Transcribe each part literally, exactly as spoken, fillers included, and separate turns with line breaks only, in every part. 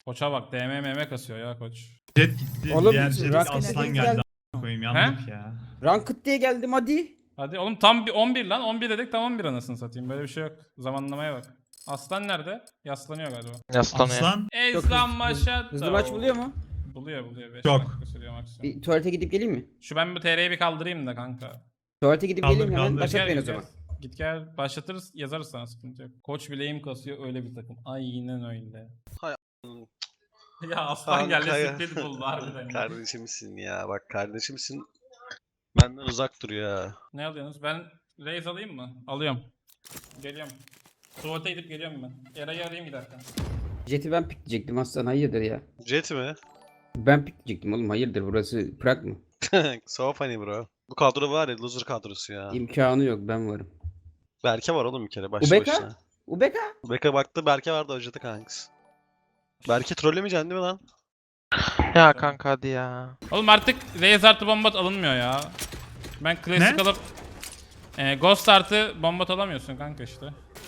Koça bak D M M M kasıyor ya koç.
Jet gitti.
Oğlum,
Diğer Jet
Ranked
aslan
diye
geldi.
geldi.
a**ına Koyayım yandık ya.
Ranked diye geldim hadi.
Hadi oğlum tam bir on bir lan. on bir dedik tam on bir anasını satayım. Böyle bir şey yok. Zamanlamaya bak. Aslan nerede? Yaslanıyor galiba.
Yaslanıyor.
Aslan
Ezlan maşa.
Hızlı maç buluyor mu?
Buluyor buluyor. beş
Çok.
dakika sürüyor maksimum.
Bir tuvalete gidip geleyim mi?
Şu ben bu T R'yi bir kaldırayım da kanka.
Tuvalete gidip
Kaldır,
geleyim hemen
kaldır.
başlat
Gel,
beni o
git gel.
zaman.
Git gel başlatırız yazarız sana sıkıntı yok. Koç bileğim kasıyor öyle bir takım. Aynen öyle.
Hay
Ya aslan geldi
Kanka ya.
siklet buldu harbiden. ya.
Kardeşimsin ya, bak kardeşimsin. Benden uzak dur ya.
Ne alıyorsunuz? Ben raise alayım mı? Alıyorum. Geliyorum. Tuvalete gidip geliyorum ben. Eray'ı arayayım giderken.
Jet'i ben pikleyecektim aslan hayırdır ya.
Jet mi?
Ben pikleyecektim oğlum hayırdır burası Prag mı?
So funny bro. Bu kadro var ya, loser kadrosu ya.
İmkanı yok ben varım.
Berke var oğlum bir kere başlı
Ubeka?
başına.
Ubeka?
Ubeka baktı, Berke vardı acıdı kankası. Berke trollemeyeceksin değil mi lan?
Ya kanka hadi ya.
Oğlum artık raise artı bombat alınmıyor ya. Ben klasik
Ne?
alıp e, ghost artı bombat alamıyorsun kanka işte.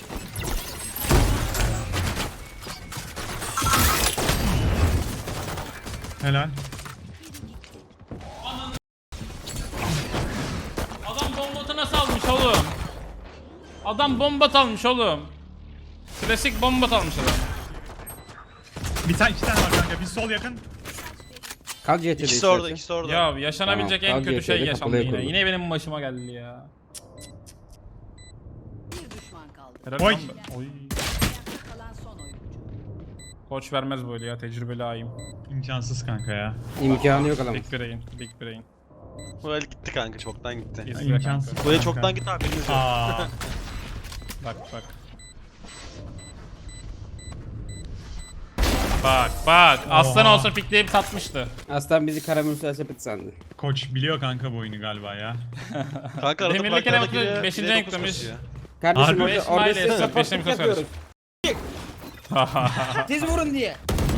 helal.
Adam bombatı nasıl almış oğlum? Adam bombat almış oğlum. Klasik bombat almış adam.
Bir tane iki tane var kanka. Bir sol yakın.
Kalk Jet'e de
İkisi orada,
istersen.
ikisi orada.
Ya yaşanabilecek
Tamam,
en kötü
kalk
şey
yeterli,
yaşandı
kapıya
yine.
koydum.
Yine benim başıma geldi ya.
Bir düşman kaldı.
Helal
Oy.
lan be. Oy.
Kalan son oyuncu.
Koç vermez böyle ya tecrübeli ayım.
İmkansız kanka ya.
İmkanı yok alamaz.
Big brain, big brain.
Bu el gitti kanka, çoktan gitti.
İzle
İmkansız.
kanka.
Bu el
kanka.
çoktan gitti abi. bilmiyorum.
Aa.
Bak bak. Bak bak. Aslan
Oha.
olsa pikleyip satmıştı.
Aslan bizi karamürsel sepet sandı.
Koç biliyor kanka bu oyunu galiba ya.
Kanka arada
Demirli
Prag'da
kere
da
bakıyor,
giriyor,
beşinci
bire
renk
dokuz
demiş.
basıyor.
Kardeşim
Harbi.
orada,
Beş
orada
mile
size
esnaf,
sapıklık
beşini mi
yapıyoruz. Siz vurun diye.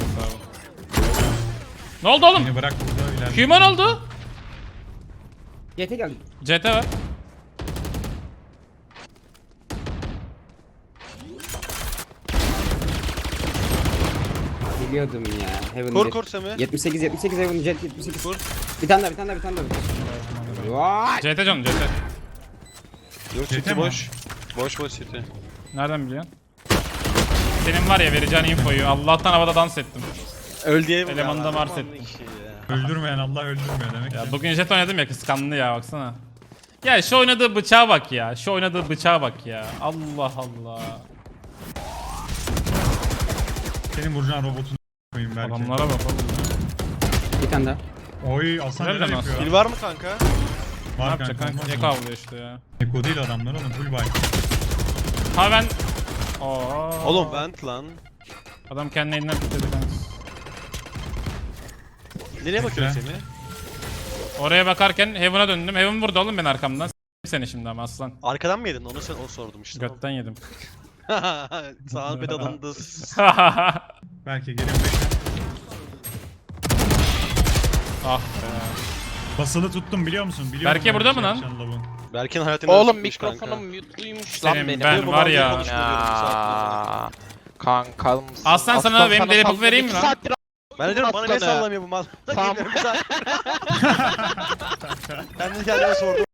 Ne oldu oğlum?
Beni bırak burada ilerle.
Human oldu.
Jet'e geldik.
C T var.
Biliyordum ya. Heaven
Kor
bir.
kor Semi.
yetmiş sekiz yetmiş sekiz Heaven Jet yetmiş sekiz.
Kur.
Bir tane daha bir tane daha bir tane daha. Vay.
C T canım C T.
Yok
City
City
mi?
boş. Boş boş City.
Nereden biliyorsun? Senin var ya vereceğin infoyu. Allah'tan havada dans ettim.
Öl diye mi?
Elemanı da
Ya,
mars
aman
ettim.
işi ya.
Öldürmeyen Allah öldürmüyor demek
Ya
ki.
bugün jet oynadım ya kıskandı ya baksana. Ya şu oynadığı bıçağa bak ya. Şu oynadığı bıçağa bak ya. Allah Allah.
Senin vuracağın robotunu koyayım belki.
Adamlara bak oğlum.
Bir tane daha.
Oy Aslan
Nereden
neler
Aslan?
yapıyor?
Kill var mı kanka?
Ne
Var
yapacak
kanka.
kanka? Eko avlıyor işte ya.
Eko değil adamlar oğlum full buy.
Ha ben... Oo.
Oğlum vent lan.
Adam kendi elinden tutuyordu kanka.
Nereye bakıyorsun Semi?
Oraya bakarken Heaven'a döndüm. Heaven burada oğlum ben arkamdan. S*** seni şimdi ama aslan.
Arkadan mı yedin? Onu sen o sordum işte.
Götten yedim.
Sağ bed alındı.
Belki geliyorum bekle.
Ah be.
Basılı tuttum biliyor musun? Biliyorum
Berke
ben
burada
bir
mı lan?
yapacağını lavun.
Berke'nin hayatını
Oğlum
sıkmış kanka.
mikrofonum mute'luymuş
Senin
lan benim.
ben
Bu
var
bağlı
ya.
konuşma diyorum bir saattir.
Ya. Kankam mısın?
Aslan sana benim deli pop vereyim mi
iki
lan?
saattir
Ben de diyorum bana ne
Aslanı.
sallamıyor bu mal.
Tamam.
Geliyorum bir saat. Ben de kendime sordum.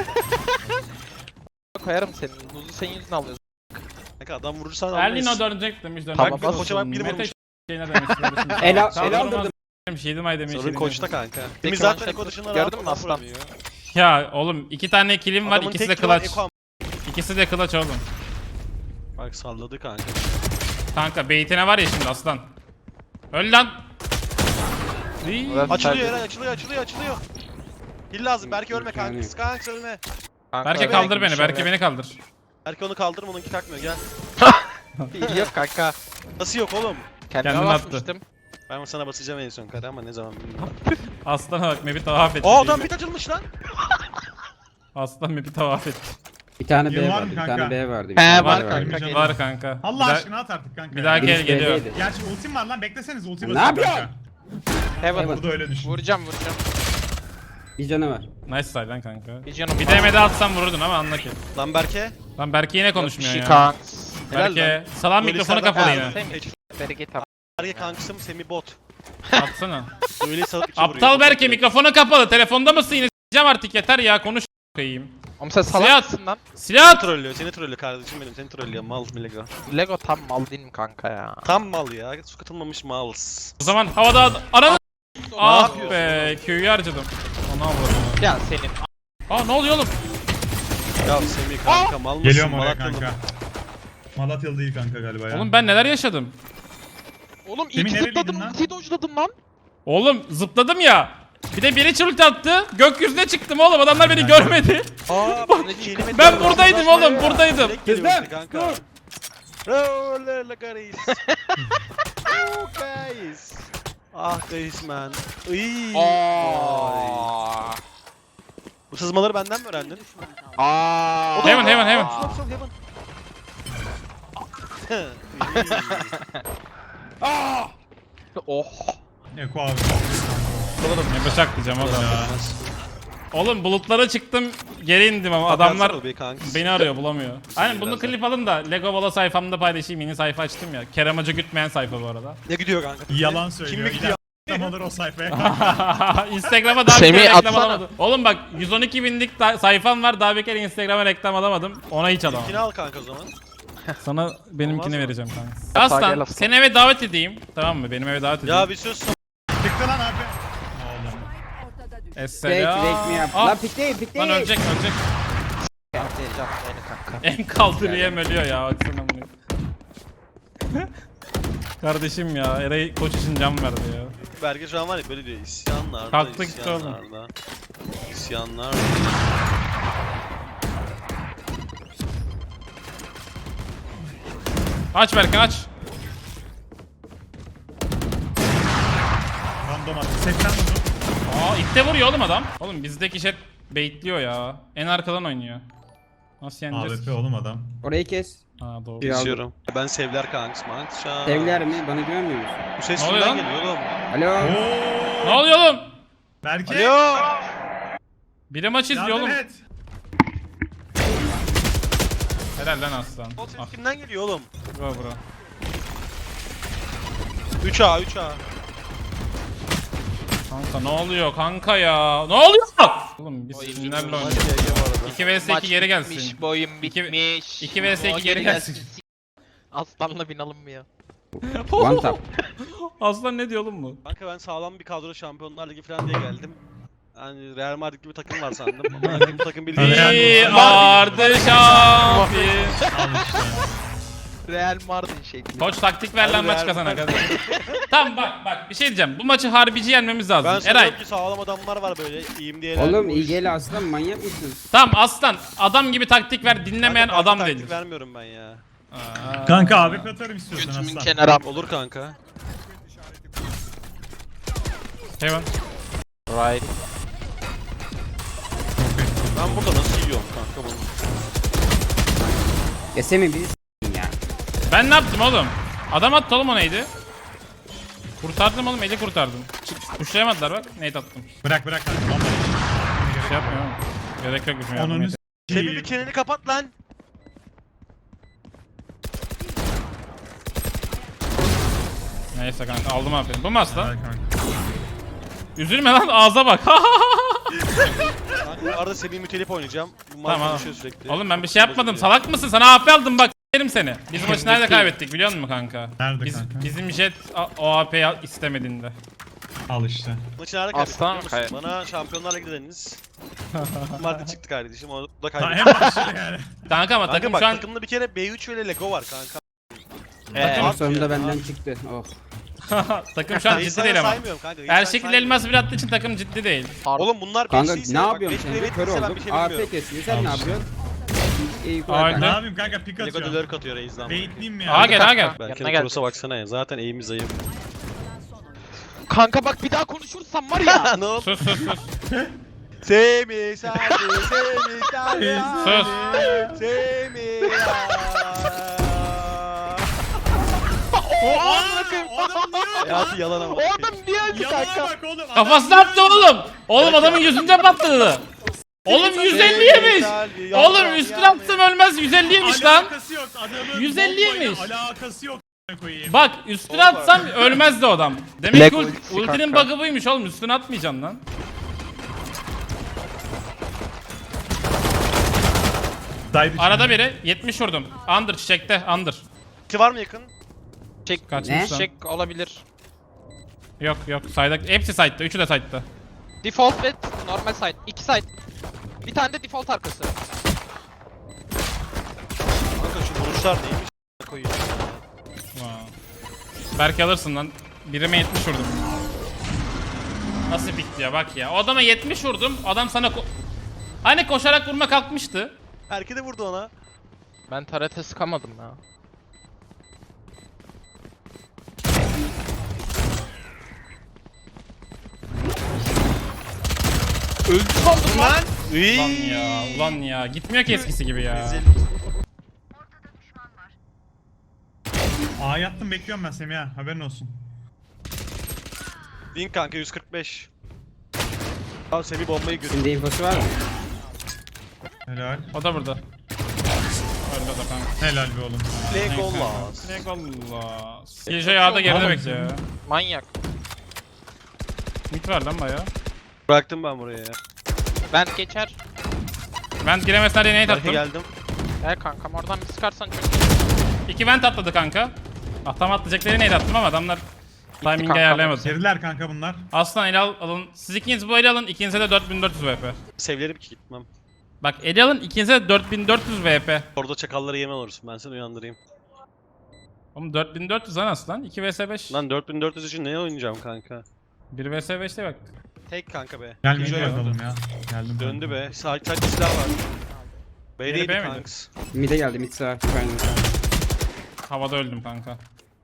koyarım senin. Buzu senin yüzünden alıyorsun.
Kanka adam vurursan
Erlin o
almayız.
dönecek demiş dönecek.
Tamam,
Bak
bas.
koça bak bir
Mete
vurmuş.
şeyine demiş.
El al-
Sağ
el
durmaz
aldırdım.
demiş. Yedim ay demiş.
Sorun
yedim
koçta
demiş.
kanka.
Bir
Biz
kıvanç
zaten Eko dışında
gördün
rahat
mü
adam
aslan?
vuramıyor.
Ya oğlum iki tane kilim var
Adamın
ikisi de
tek kıvan
clutch.
Eko am-
İkisi de clutch oğlum.
Bak salladı kanka.
Kanka beytine var ya şimdi aslan. Öl lan. İyi.
Ulan-
Açılıyor Eray, açılıyor açılıyor açılıyor. Hil lazım Berke ölme
Yani.
kanka. Kanka ölme.
Kanka,
Berke
öyle
kaldır beni.
yapmış
Berke
öyle.
beni kaldır.
Berke onu kaldırma, onunki takmıyor gel.
Yok kanka.
Nasıl yok oğlum?
Kendime
Kendini attı.
basmıştım.
Ben sana basacağım en son kare ama ne zaman bilmiyorum.
Aslan bak map'i tavaf etti.
Aa adam bit açılmış lan.
Aslan map'i tavaf etti.
Bir tane
Yıl
B
var
vardı.
mı
Bir
kanka?
tane B vardı. bir
He,
tane B
var
vardı.
kanka.
Canım.
Var kanka.
Allah
Bir daha-
aşkına at artık kanka.
Bir daha
ya.
gel
Birisi
geliyor.
B'deydi.
Gerçi ultim var lan bekleseniz ulti
Ne
basın
yapıyorsun?
kanka.
Heaven.
Burada öyle düşün.
Vuracağım vuracağım.
Bir canı var.
Nice side lan kanka.
Bir canım
Bir
var.
D M'de atsam vururdun ama anla ki.
Lan Berke.
Lan Berke yine konuşmuyor
Bir şey
ya.
kanka.
Helal
Berke. Salam
Böyle
mikrofonu
senden
kapalı
helal.
yine.
Semih. Bereket abi.
Berke kankısım Semih bot.
Atsana.
Öyle salıp iki vuruyor.
Aptal Berke mikrofonu kapalı. Telefonda mısın yine? S**eceğim artık yeter ya konuş koyayım.
Oğlum sen
Silah
salak
at.
mısın lan?
Silah
Seni
at.
trollüyor, seni trollüyor kardeşim benim, seni trollüyor mal Lego.
Lego tam mal değil mi kanka ya?
Tam mal ya, su katılmamış mal.
O zaman havada ananı. Ah
yapıyorsun
be Q'yu harcadım. Ona avladım.
Ya senin.
Aa ne oluyor oğlum?
Ya Semih kanka mal mısın?
Geliyorum oraya
Malatyalı
kanka.
mı?
Malatyalı değil kanka galiba ya.
Oğlum ben neler yaşadım?
Oğlum
Semih
ilk
nereliydin
zıpladım,
lan?
ultiyi dojladım lan.
Oğlum zıpladım ya. Bir de biri çult attı. Gökyüzüne çıktım oğlum. Adamlar beni görmedi.
Aa bak kelime
Ben
diyorum,
buradaydım
uzaklaşma
oğlum,
ya.
buradaydım.
Direkt geliyor
Kızdım,
işte kanka. Roller guys. Oh guys. Ah guys man. Iy. Ay.
Aa.
Bu sızmaları benden mi öğrendin?
Düşman kaldı.
Aa.
Heaven heaven heaven.
Sok sok heaven.
Oh.
Eko abi.
Oğlum ne bıçak diyeceğim oğlum.
Ya.
Oğlum bulutlara çıktım. Geri indim ama adamlar
Adamlar be kanka.
beni arıyor bulamıyor. Aynen bunu
Birazdan.
klip alın da Lego Bala sayfamda paylaşayım. Yeni sayfa açtım ya. Kerem Hoca gütmeyen sayfa bu arada.
Ne gidiyor kanka?
Yalan söylüyor.
Kim mi gidiyor?
Tam alır o sayfaya.
Instagram'a daha bir
Semih,
kere reklam
atsana.
alamadım. Oğlum bak yüz on iki binlik ta- sayfam var. Daha bir kere Instagram'a reklam alamadım. Ona hiç alamadım.
İkini al kanka o zaman.
Sana benimkini
Olmaz mı?
vereceğim kanka.
gel
Aslan
aslan.
seni eve davet edeyim. Tamam mı? Benim eve davet edeyim.
Ya bir sus.
Çıktı lan abi. Oğlum.
Ortada düştü.
Fake
Esselam.
fake mi yap?
Ah,
Lan pik değil pik değil.
Lan ölecek ölecek.
Atlayacağım beni kanka.
En kaldırıyem ölüyor ya baksana bunu. Kardeşim ya Eray koç için can verdi ya.
Berge şu an var ya böyle diyor isyanlarda,
Kalktı gitti oğlum.
isyanlarda. İsyanlar.
Aç Berkan aç.
Random attı. seksen vurdu.
Aa ilk vuruyor oğlum adam. Oğlum bizdeki jet baitliyor ya. En arkadan oynuyor. Nasıl yeneceğiz?
A W P oğlum adam.
Orayı kes.
Ha doğru.
Bir aldım.
İzliyorum. Ben Sevler kanks manks şu an.
Sevler mi? Bana güvenmiyor musun?
Bu ses
Ne oluyor
kimden
lan?
geliyor oğlum?
Alo.
Ne
Oo.
oluyor oğlum?
Berke.
Alo.
Biri maç izliyor
Yardım
oğlum.
et.
Helal lan aslan.
O ses
Ah
kimden geliyor oğlum?
bro bro.
üç A üç A.
Kanka ne oluyor kanka ya? Ne oluyor? Oğlum biz
Oyun
sinirlerle
bilmiyorum.
Hadi
oynuyoruz.
ya, ya bu arada.
iki vs iki geri
bitmiş,
gelsin.
boyun
İki-
bitmiş.
iki vs iki
O
geri gelsin.
Aslanla bin alınmıyor.
One tap.
Aslan ne diyor oğlum bu?
Kanka ben sağlam bir kadro Şampiyonlar Ligi falan diye geldim. Hani Real Madrid gibi takım var sandım. Ama bu takım bildiğin
Real
Bir
Madrid.
ardı şampiyon.
Al işte.
Real Mardin şekli.
Koç taktik ver lan
Hadi
maç
Real
kazana
Madrid.
kadar. Tamam bak bak bir şey diyeceğim. Bu maçı harbici yenmemiz lazım.
Ben
Eray.
sanıyorum ki sağlam adamlar var böyle iyiyim diye.
Oğlum iyi gel aslan manyak mısın?
Tamam aslan adam gibi taktik ver dinlemeyen adam değildir.
vermiyorum ben ya.
Aa.
Kanka A W P atarım istiyorsan
Götümün
aslan.
kenarı.
Olur kanka.
Heaven.
Right.
Ben burada nasıl yiyorum kanka bunu?
Ya Semih bizi s**tin ya.
Ben ne yaptım oğlum? Adam attı oğlum o neydi? Kurtardım oğlum eli kurtardım. Çık, kuşlayamadılar bak nade attım.
Bırak bırak kanka. Vallahi.
Bir şey yapmıyor oğlum. Gerek yok bizim
Onun
yardıma.
Semih bir çeneni kapat lan.
Neyse kanka aldım aferin. Bu mu aslan?
Kanka.
Üzülme lan ağza bak.
Ben bu arada Semih mütelif oynayacağım. Bu maç
Tamam.
konuşuyor sürekli.
Oğlum ben bir şey yapmadım. Salak mısın? Sana A P aldım bak. S**erim seni. Biz maçı nerede kaybettik biliyor musun kanka?
Nerede
Biz,
kanka?
Bizim jet a- o A P'yi istemediğinde.
Al işte.
Maçı nerede
Aslan
kaybettik biliyor musun? Bana Şampiyonlar Ligi dediniz. Madrid çıktı kardeşim. O da
Ta
kaybettik.
en başta yani.
Kanka ama
Kanka
takım
bak
şu an
takımda bir kere B üç ve Lego var kanka.
Ee,
At
Sonunda
ya,
benden
at.
çıktı. Oh.
takım şu an
Reis
ciddi
sana
değil ama.
saymıyorum kanka. Reis
Her
sen
şekilde
saymıyorum.
elmas bir attığı için takım ciddi değil.
Oğlum bunlar
Kanka
beşliyse
ne
bak,
yapıyorsun
beş
sen?
bile
Kör
bekliyse ben
oldum.
bir şey
A P
bilmiyorum.
kesiyor. Sen ne
Al işte.
yapıyorsun? İyi
Aynen.
Ne
kulak.
yapayım kanka pik
Lego
atıyorum.
döler katıyor Reis'den.
Baitleyeyim mi
Aa
ya?
gel aa gel.
Belki
Yanına
de
gel.
Cross'a baksana ya. Zaten eğimiz zayıf.
kanka bak bir daha konuşursam var ya.
ne oldu?
Sus sus sus.
Semih Sadi, Semih Sadi.
Sus.
Semih
O adam
O adam niye
Hayatı yalan ama.
O adam niye öldü
Yalana
kanka?
bak oğlum. adam
Kafasına attı oğlum. Oğlum adamın yüzünde patladı. Oğlum yüz elli yemiş. Oğlum üstüne atsam ölmez yüz elli yemiş lan.
Alakası yok. Adamın
yüz elli
bombayla
yemiş.
Alakası yok. koyayım.
Bak üstüne atsam ölmezdi o adam. Demek
Black
ki ult-
ultisi
ultinin
kanka.
bug'ı buymuş oğlum, üstüne atmayacaksın lan.
Side içinde.
Arada biri yetmiş vurdum. Under çiçekte under.
Ki var mı yakın?
Çek,
Kaçmış lan.
çek olabilir.
Yok yok side'da hepsi side'da, üçü de side'da.
Default ve normal side. İki side. Bir tane de default arkası.
Kanka şu vuruşlar neymiş koyayım.
Wow. Belki alırsın lan. Birime yetmiş vurdum. Nasıl bitti ya bak ya. O adama yetmiş vurdum. Adam sana ko- hani koşarak vurma kalkmıştı.
Erke de vurdu ona.
Ben tarete sıkamadım ya. Öldü sandım lan.
Ulan ya, ulan ya. Gitmiyor ki eskisi gibi ya.
Rezil.
Aa yattım bekliyorum ben Semih ha. Haberin olsun.
Bin kanka yüz kırk beş. Tamam Semih bombayı görüyor.
Şimdi infosu var mı?
Helal.
O da burada. Öldü o da kanka.
Helal be oğlum.
Legolas.
Legolas. Killjoy A'da geride
Oğlum.
bekliyor ya.
Manyak.
Mid var lan baya.
Bıraktım ben buraya ya.
Ben geçer.
Vent giremezler diye nade
Belki
attım.
geldim.
Gel kankam oradan bir sıkarsan çok iyi.
İki vent atladı kanka. Ah tam atlayacakları nade attım ama adamlar timing'i
kanka.
ayarlayamadı.
Geriler kanka bunlar.
Aslan ele al, alın. Siz ikiniz bu ele alın. İkinize de dört bin dört yüz V P.
Sevlerim ki gitmem.
Bak ele alın. İkinize de dört bin dört yüz V P.
Orada çakalları yemen olursun ben seni uyandırayım.
Oğlum dört bin dört yüz lan aslan. iki vs beş.
Lan dört bin dört yüz için ne oynayacağım kanka?
bir vs beşte bak.
Tek kanka be.
Gelmeye
Killjoy
bakalım ya. Geldim.
Döndü be. Sağ sadece silah var. B'deydi
B miydi?
kanks.
Mid'e geldi mid sağ. Aynen.
Havada öldüm kanka.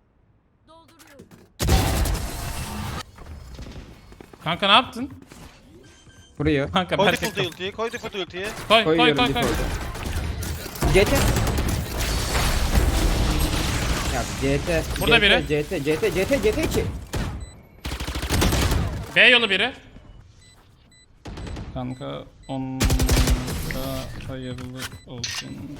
Kanka ne yaptın?
Vuruyor.
Kanka
Koy
belki...
default ultiyi, koy default ultiyi.
Koy koy koy
Koyuyorum
koy.
default'u. C T. Ya C T.
Burada
C T,
biri.
C T, C T, C T, C T iki.
B yolu biri. Kanka on da hayırlı olsun.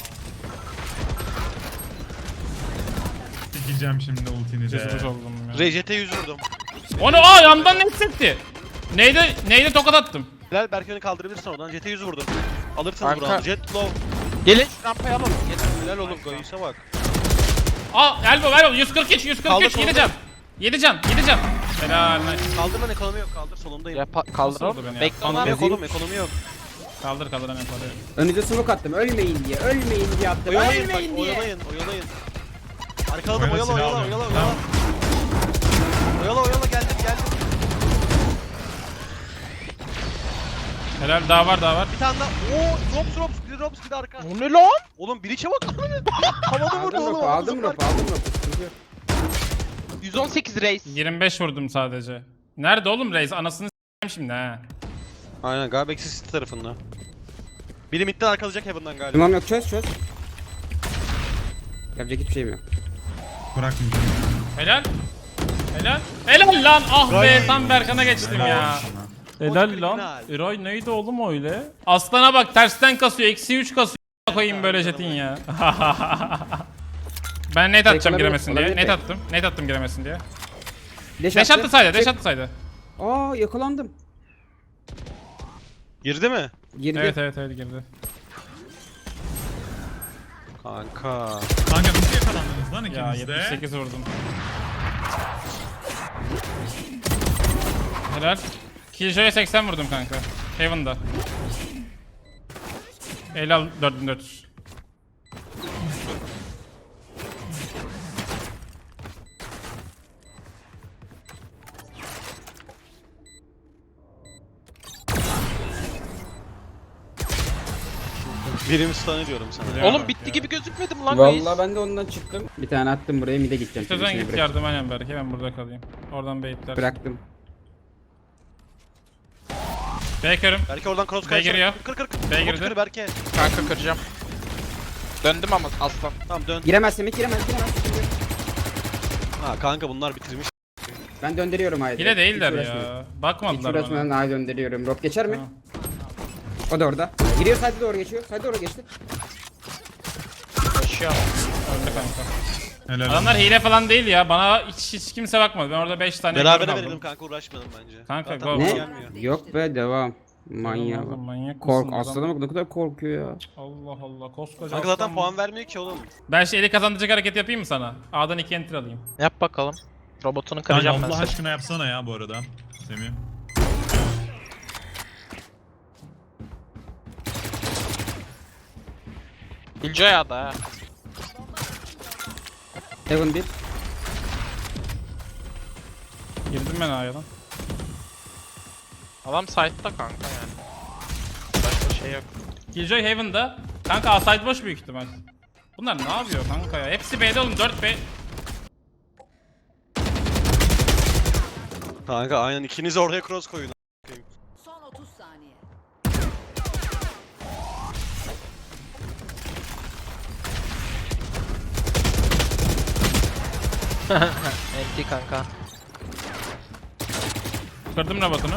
Sikeceğim şimdi ultini de.
Cesur oldum ya.
R J T yüz vurdum.
Onu aa yandan ne hissetti? Neydi? Neydi tokat attım.
Bilal belki onu kaldırabilirsin oradan. J T yüz vurdum. Alırsınız
Kanka.
buradan. Jet low.
Gelin şu rampayı alalım. Gelin.
Bilal oğlum Goyus'a bak.
Aa elbow elbow yüz kırk üç yüz kırk
Kaldır,
üç yedi
kaldır.
can. yedi can yedi can. Helal nice.
Kaldırman ekonomi yok. Kaldır solundayım.
Ya pa-
Nasıl oldu
kaldıralım.
beni ya?
Bekle
Ekonomi
onlar.
yok oğlum ekonomi yok.
Kaldır kaldır hemen parayı.
Önünüze smoke attım. Ölmeyin diye. Ölmeyin diye attım.
Oyalayın bak
Ölmeyin diye.
oyalayın oyalayın. Arkaladım
Oyala,
oyala
silah
oyala
alıyorum.
oyala
Tamam.
oyala. Oyala oyala geldim geldim.
Helal daha var daha var.
Bir tane daha. Oo drops drops bir drops bir de arka.
O ne lan?
Oğlum bir içe bak. Havada vurdu
Aldım
oğlum.
ropu, aldım
zıplar.
ropu, aldım ropu. Sıkıntı yok.
yüz on sekiz reis.
yirmi beş vurdum sadece. Nerede oğlum reis? Anasını s**eyim şimdi ha.
Aynen galiba eksi city tarafında. Biri midden arkalayacak Heaven'dan galiba.
Tamam yok çöz çöz. Yapacak hiçbir şeyim yok.
Bırakmayacağım.
Helal. Helal. Helal lan. Ah be
Gay.
tam Berkan'a geçtim ya. Helal lan.
kriminal.
Eray neydi oğlum öyle? Aslana bak tersten kasıyor. Eksi üç kasıyor. Koyayım böyle jetin ya. Ben net atacağım
olabilir,
giremesin diye.
olabilir
Net
pek.
attım. Net attım giremesin diye.
Deş
Deş attı saydı. Deş attı saydı.
Aa yakalandım.
Girdi mi?
Girdi.
Evet evet evet girdi.
Kanka.
Kanka nasıl yakalandınız lan
Ya
ikiniz de?
yetmiş sekiz vurdum. Helal. Killjoy'a seksen vurdum kanka. Heaven'da. Helal dört bin dört yüz.
Birimi stun ediyorum sana.
Ya
Oğlum
bak
bitti
ya.
gibi gözükmedi mi lan reis?
Vallahi ben de ondan çıktım. Bir tane attım buraya mid'e gideceğim. şimdi,
Sözden
seni
git
bırakacağım.
yardım aynen belki ben burada kalayım. Oradan baitler.
Bıraktım.
Baker'ım.
Belki oradan cross
B
kaçar.
giriyor.
Kır kır kır.
B
Umut
girdi.
kır Berke.
Kanka kıracağım. Döndüm ama aslan.
Tamam dön.
Giremez Semih giremez giremez. Şimdi.
Ha kanka bunlar bitirmiş.
Ben döndürüyorum haydi.
Hile değiller
Hiç uğraşmıyorum.
ya.
Hiç
Bakmadılar
uğraşmadan
bana.
haydi döndürüyorum. Rob geçer mi?
Tamam.
O da orada. Giriyor side'e doğru geçiyor. Side'e doğru geçti.
Koşuyor.
Öldü kanka.
Helal.
Adamlar hile falan değil ya. Bana hiç, hiç kimse bakmadı. Ben orada beş tane
Berabere
gördüm,
verelim
aldım.
kanka, uğraşmayalım bence.
Kanka,
Zaten
go.
bize
Ne?
gelmiyor.
Yok be devam. Manyak.
Oğlum, manyak
Kork
mısın
aslanım bak ne kadar korkuyor ya.
Allah Allah, koskoca
Kanka zaten
aslan.
puan vermiyor ki oğlum.
Ben işte eli kazandıracak hareket yapayım mı sana? A'dan iki enter alayım.
Yap bakalım. Robotunu
Kanka
kıracağım ben
Allah
seni.
aşkına yapsana ya bu arada. Semih.
Killjoy da ha.
Heaven bir.
Girdim ben A'ya lan.
Adam site'da kanka yani. Başka şey yok.
Killjoy Heaven'da. Kanka A side boş büyük ihtimal. Bunlar ne yapıyor kanka ya? Hepsi B'de oğlum, dört B.
Kanka aynen, ikiniz oraya cross koyun.
Son otuz saniye.
Enti kanka.
Kırdım robotunu.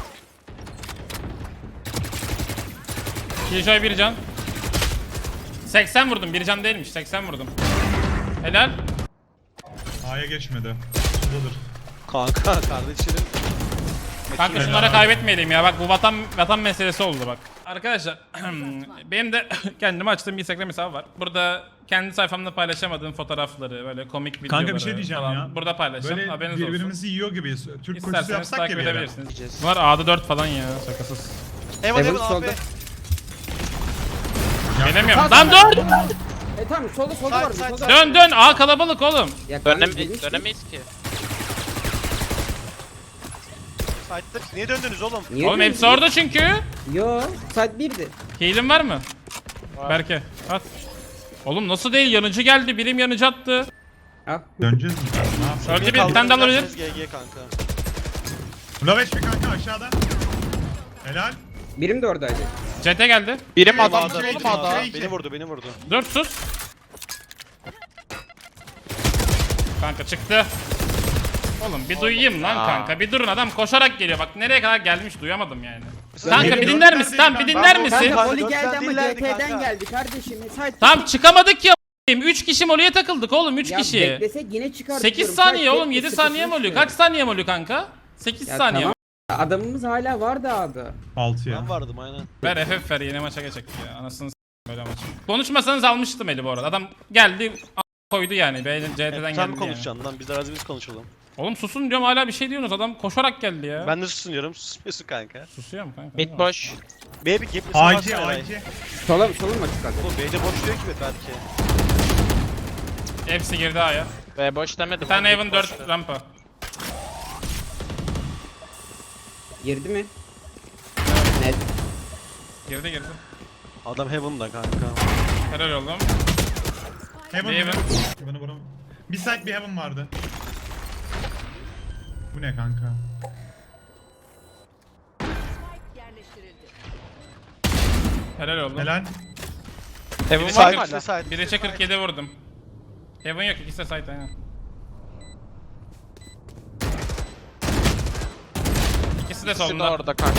Killjoy bir can. seksen vurdum, bir can değilmiş, seksen vurdum. Helal.
A'ya geçmedi. Şuradadır.
Kanka kardeşlerim.
Kanka şunlara kaybetmeyelim ya, bak bu vatan vatan meselesi oldu bak. Arkadaşlar benim de kendime açtığım bir Instagram hesabı var. Burada kendi sayfamda paylaşamadığım fotoğrafları, böyle komik videoları
Kanka bir şey diyeceğim
falan
ya.
burada paylaşacağım.
Böyle
Haberiniz olsun.
birbirimizi yiyor gibiyiz. Türk koşusu
İsterseniz
yapsak ya
takip
bir yere.
edebilirsiniz. Bunlar A'da dört falan ya, şakasız.
Heaven
Heaven
Heaven
solda.
abi.
Gelemiyorum. Lan dur!
E tamam solda solda
Side,
var.
side,
Solda.
Dön dön, A kalabalık oğlum.
Ya kanka,
Dönem
demiştim.
dönemeyiz ki.
Side'da niye döndünüz oğlum?
Niye
Oğlum hepsi
döndün?
orada çünkü.
Yo side birdi.
Heal'in var mı? Berke at. Oğlum nasıl değil, yanıcı geldi, birim yanıcı attı.
Al.
Döneceğiz mi? Ne yapacağız?
Öldü bir, bir tane daha olabilir.
G G kanka.
Loveç mi kanka aşağıda? Helal.
Birim de oradaydı.
C T geldi.
Birim adam
Adam
şey,
oğlum adam.
şey.
Beni vurdu, beni vurdu.
Dur sus. Kanka çıktı. Oğlum bir duyayım lan
ya.
kanka. Bir durun, adam koşarak geliyor. Bak nereye kadar gelmiş duyamadım yani.
Ben
Kanka bir
geliyorum.
dinler misin? Tamam bir dinler
Ben-
misin?
Ben-
Kanka Oli
dört
geldi
tane
ama
dillerdi
C T'den
kanka.
geldi kardeşim. Side.
Tamam çıkamadık ya. üç kişi Molly'e takıldık oğlum, üç
Ya
kişi.
beklesek yine çıkar.
sekiz
diyorum.
saniye
Side
oğlum,
bekle,
yedi saniye mi
sıkıntı
oluyor?
yok.
Kaç saniye mi oluyor kanka? sekiz
Ya
saniye.
tamam. Adamımız hala var da adı.
altı ya.
Ben vardım aynen.
Ver F F ver, yeni maça geçecek ya. Anasını s*** böyle maç. Konuşmasanız almıştım eli bu arada. Adam geldi a- koydu yani. B C T'den
Hep
geldi
sen
yani.
konuşacaksın lan, biz de biz konuşalım.
Oğlum susun diyorum, hala bir şey diyorsunuz. Adam koşarak geldi ya.
Ben de susuyorum, susmuyorsun kanka.
Susuyorum kanka.
Mid boş.
B bir gap
A iki A iki.
Solum solum mu çıkardı?
Oğlum B'de boş diyor ki belki.
Hepsi girdi A'ya.
Ve boş demedim.
Bir tane
Mid
Heaven
boştu.
dört rampa.
Girdi mi? Net.
Girdi girdi.
Adam Heaven'da kanka.
Helal oğlum.
Heaven
Heaven.
Heaven. Heaven'ı vuram. Bir side bir heaven vardı. Bu ne kanka?
Yerleştirildi.
Helal oğlum.
Helal.
Heaven
Biri
var
side,
mı
biri
hala?
side.
Biri çe kırk yedi vurdum. Heaven yok, ikisi de site aynen. İkisi de
İkisi de
solunda.
orada kanka.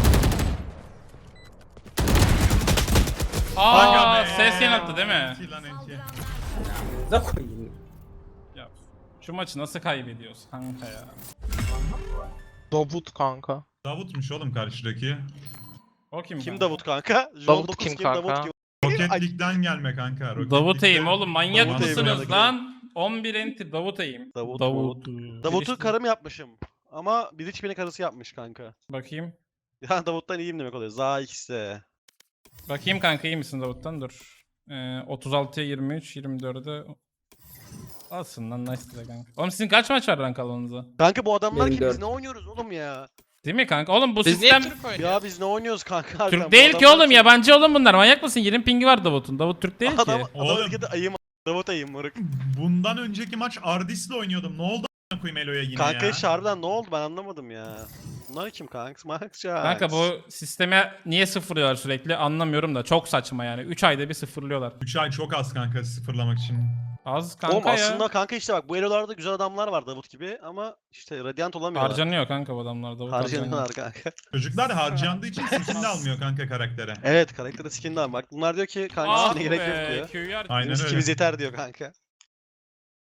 Aa,
Aga be.
ses yanılttı değil mi?
İki lan iki.
Da koyayım.
Ya şu maçı nasıl kaybediyoruz kanka ya?
Davut kanka.
Davut'muş oğlum karşıdaki.
O kim?
Kim
kanka?
Davut kanka?
Davut
dokuz
kim
kim,
kanka?
Davut kim?
Rocket
Ay-
League'den gelme kanka. Rocket
Davut
League'den-
Eğim oğlum, manyak
Davut Eğim
mısınız
yani.
lan? on bir enti Davut Eğim.
Davut,
Davut.
Davut'u karım yapmışım. Ama bir hiç beni karısı yapmış kanka.
Bakayım.
Ya Davut'tan iyiyim demek oluyor. Za X'de.
Bakayım kanka, iyi misin Davut'tan? Dur. Ee, otuz altıya yirmi üç, yirmi dörde... Alsın lan, nice de kanka. Oğlum sizin kaç maç var rank alanınıza?
Kanka bu adamlar
Benim
ki biz
dört.
ne oynuyoruz oğlum ya?
Değil mi kanka? Oğlum bu
Biz niye
sistem...
Türk oynuyoruz?
Ya biz ne oynuyoruz kanka? harbiden?
Türk
Bu
değil ki
adamlar
oğlum,
ki-
yabancı oğlum bunlar. Manyak mısın? yirmi pingi var Davut'un. Davut Türk değil
Adam,
ki.
adam
Oğlum.
ülkede ayım Davut ayım moruk.
Bundan önceki maç Ardis'le oynuyordum. Ne oldu a**ına koyayım Elo'ya yine
Kanka
ya?
işte harbiden ne oldu ben anlamadım ya. Bunlar kim kanka? Max Jax.
Kanka bu sisteme niye sıfırlıyorlar sürekli anlamıyorum da. Çok saçma yani. üç ayda bir sıfırlıyorlar.
üç ay çok az kanka sıfırlamak için.
Az kanka
Oğlum
ya.
aslında kanka işte bak bu elolarda güzel adamlar var Davut gibi ama işte Radiant olamıyorlar.
Harcanıyor kanka bu adamlar. Davut harcanıyor.
Harcanıyorlar kanka.
Çocuklar harcandığı için skin de almıyor kanka karaktere.
Evet karakterde skin de var. Bak bunlar diyor ki kanka
Ah
skin'e gerek yok
be,
diyor.
Q'yu ar-
Aynen
Bizim
öyle.
skimiz yeter diyor kanka.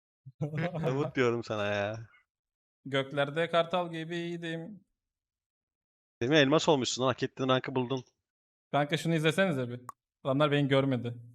Davut diyorum sana ya.
Göklerde kartal gibiydim.
Semih elmas olmuşsun lan. Hak ettiğin rankı buldun.
Kanka şunu izlesenize bir. Adamlar beni görmedi.